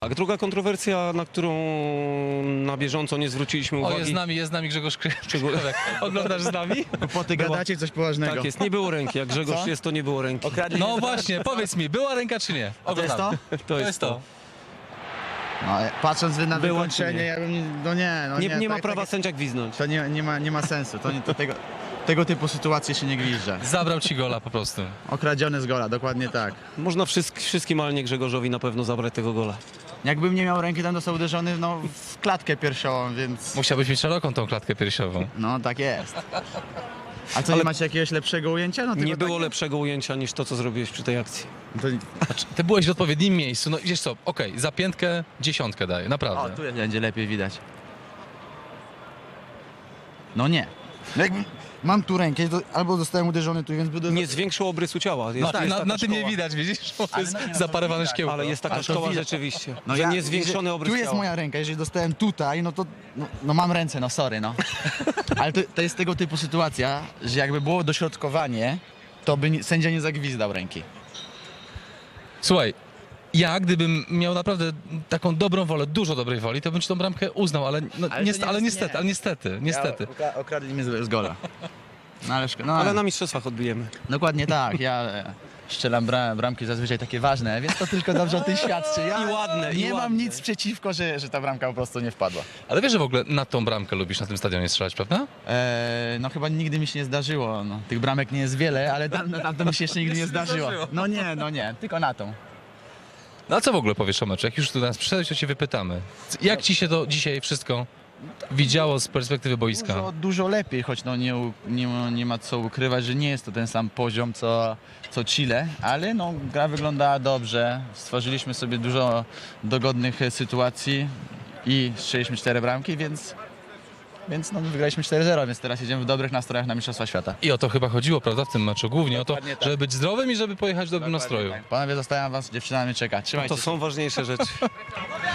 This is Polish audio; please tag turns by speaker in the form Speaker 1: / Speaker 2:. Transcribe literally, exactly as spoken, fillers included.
Speaker 1: Tak, druga kontrowersja, na którą na bieżąco nie zwróciliśmy
Speaker 2: O,
Speaker 1: uwagi.
Speaker 2: jest z nami, jest z nami Grzegorz Krzyżek. Oglądasz z nami?
Speaker 3: Poty gadacie coś poważnego.
Speaker 1: Tak jest, nie było ręki. Jak Grzegorz
Speaker 3: Co?
Speaker 1: jest, to nie było ręki.
Speaker 3: Okradli
Speaker 2: No
Speaker 3: mnie za-
Speaker 2: właśnie, powiedz mi, była ręka czy nie?
Speaker 3: To jest to?
Speaker 2: Oglądamy.
Speaker 1: To jest to.
Speaker 3: No, patrząc na
Speaker 1: Było czy
Speaker 3: wykończenie,
Speaker 1: nie?
Speaker 3: ja bym... nie- No nie, no
Speaker 1: Nie,
Speaker 3: nie.
Speaker 1: nie ma
Speaker 3: tak-
Speaker 1: prawa
Speaker 3: tak-
Speaker 1: sędzia gwizdnąć.
Speaker 3: To nie, nie, ma, nie ma sensu. To, nie, to tego, tego typu sytuacje się nie gwizdże.
Speaker 2: Zabrał ci gola po prostu.
Speaker 3: Okradziony z gola, dokładnie tak.
Speaker 1: Można wszystk, wszystkim, ale nie Grzegorzowi na pewno zabrać tego gola.
Speaker 3: Jakbym nie miał ręki, tam został uderzony no, w klatkę piersiową, więc...
Speaker 2: Musiałbyś mieć szeroką tą klatkę piersiową.
Speaker 3: No tak jest. A co, nie macie jakiegoś lepszego ujęcia? No,
Speaker 1: Nie
Speaker 3: tylko
Speaker 1: było
Speaker 3: takie-
Speaker 1: lepszego ujęcia niż to, co zrobiłeś przy tej akcji.
Speaker 3: To...
Speaker 2: Znaczy, ty byłeś w odpowiednim miejscu, no wiesz co, okej, za piętkę dziesiątkę daję,
Speaker 3: O,
Speaker 2: naprawdę.
Speaker 3: tu będzie lepiej widać. No nie. No jakbym... Mam tu rękę, to albo zostałem uderzony tu, więc będę...
Speaker 1: Nie zwiększył obrysu ciała. Jest,
Speaker 2: No,
Speaker 1: jest
Speaker 2: na,
Speaker 1: taka
Speaker 2: na tym nie
Speaker 1: szkoła.
Speaker 2: widać, widzisz? Bo to
Speaker 3: Ale
Speaker 2: jest
Speaker 3: no nie, no to
Speaker 2: zaparowane
Speaker 3: widać,
Speaker 2: szkiełko.
Speaker 1: Ale jest taka
Speaker 3: Ale to
Speaker 1: szkoła
Speaker 3: widać.
Speaker 1: rzeczywiście,
Speaker 3: No
Speaker 1: że
Speaker 3: ja-
Speaker 1: nie zwiększony
Speaker 3: jeżeli-
Speaker 1: obrys
Speaker 3: Tu jest
Speaker 1: ciała.
Speaker 3: moja ręka, jeżeli dostałem tutaj, no to no, no mam ręce, no sorry, no. Ale to, to jest tego typu sytuacja, że jakby było dośrodkowanie, to by nie, sędzia nie zagwizdał ręki.
Speaker 2: Słuchaj, ja gdybym miał naprawdę taką dobrą wolę, dużo dobrej woli, to bym ci tą bramkę uznał, ale, no,
Speaker 3: Ale to
Speaker 2: niestety,
Speaker 3: nie
Speaker 2: ale
Speaker 3: jest-
Speaker 2: niestety,
Speaker 3: nie.
Speaker 2: ale niestety, niestety.
Speaker 3: Ja, okradli mnie z, z gola. No ale, szko- no,
Speaker 1: Ale na mistrzostwach odbijemy.
Speaker 3: Dokładnie tak, ja e, strzelam bra, bramki zazwyczaj takie ważne, więc to tylko dobrze o tym świadczy. Ja
Speaker 1: I ładne, i
Speaker 3: nie mam
Speaker 1: ładne.
Speaker 3: nic przeciwko, że, że ta bramka po prostu nie wpadła.
Speaker 2: Ale wiesz, że w ogóle na tą bramkę lubisz na tym stadionie strzelać, prawda?
Speaker 3: E, no chyba nigdy mi się nie zdarzyło. No, tych bramek nie jest wiele, ale tam, tam to mi się jeszcze nigdy nie zdarzyło. No nie, no nie, tylko na tą.
Speaker 2: No a co w ogóle powiesz o meczu? Jak już tu nas przyszedłeś, to cię wypytamy. Jak ci się to dzisiaj wszystko widziało z perspektywy boiska?
Speaker 3: Dużo, dużo lepiej, choć no nie, u- nie, ma- nie ma co ukrywać, że nie jest to ten sam poziom co, co Chile, ale no, gra wyglądała dobrze. Stworzyliśmy sobie dużo dogodnych e, sytuacji i strzeliśmy cztery bramki, więc, więc no, wygraliśmy cztery zero, więc teraz jedziemy w dobrych nastrojach na Mistrzostwa Świata.
Speaker 2: I o to chyba chodziło, prawda, w tym meczu? Głównie o to,
Speaker 3: Dokładnie tak.
Speaker 2: żeby być zdrowym i żeby pojechać w dobrym nastroju.
Speaker 3: Panowie, zostawiam was, dziewczyna mnie czeka. Trzymajcie
Speaker 1: To
Speaker 3: się.
Speaker 1: są ważniejsze rzeczy.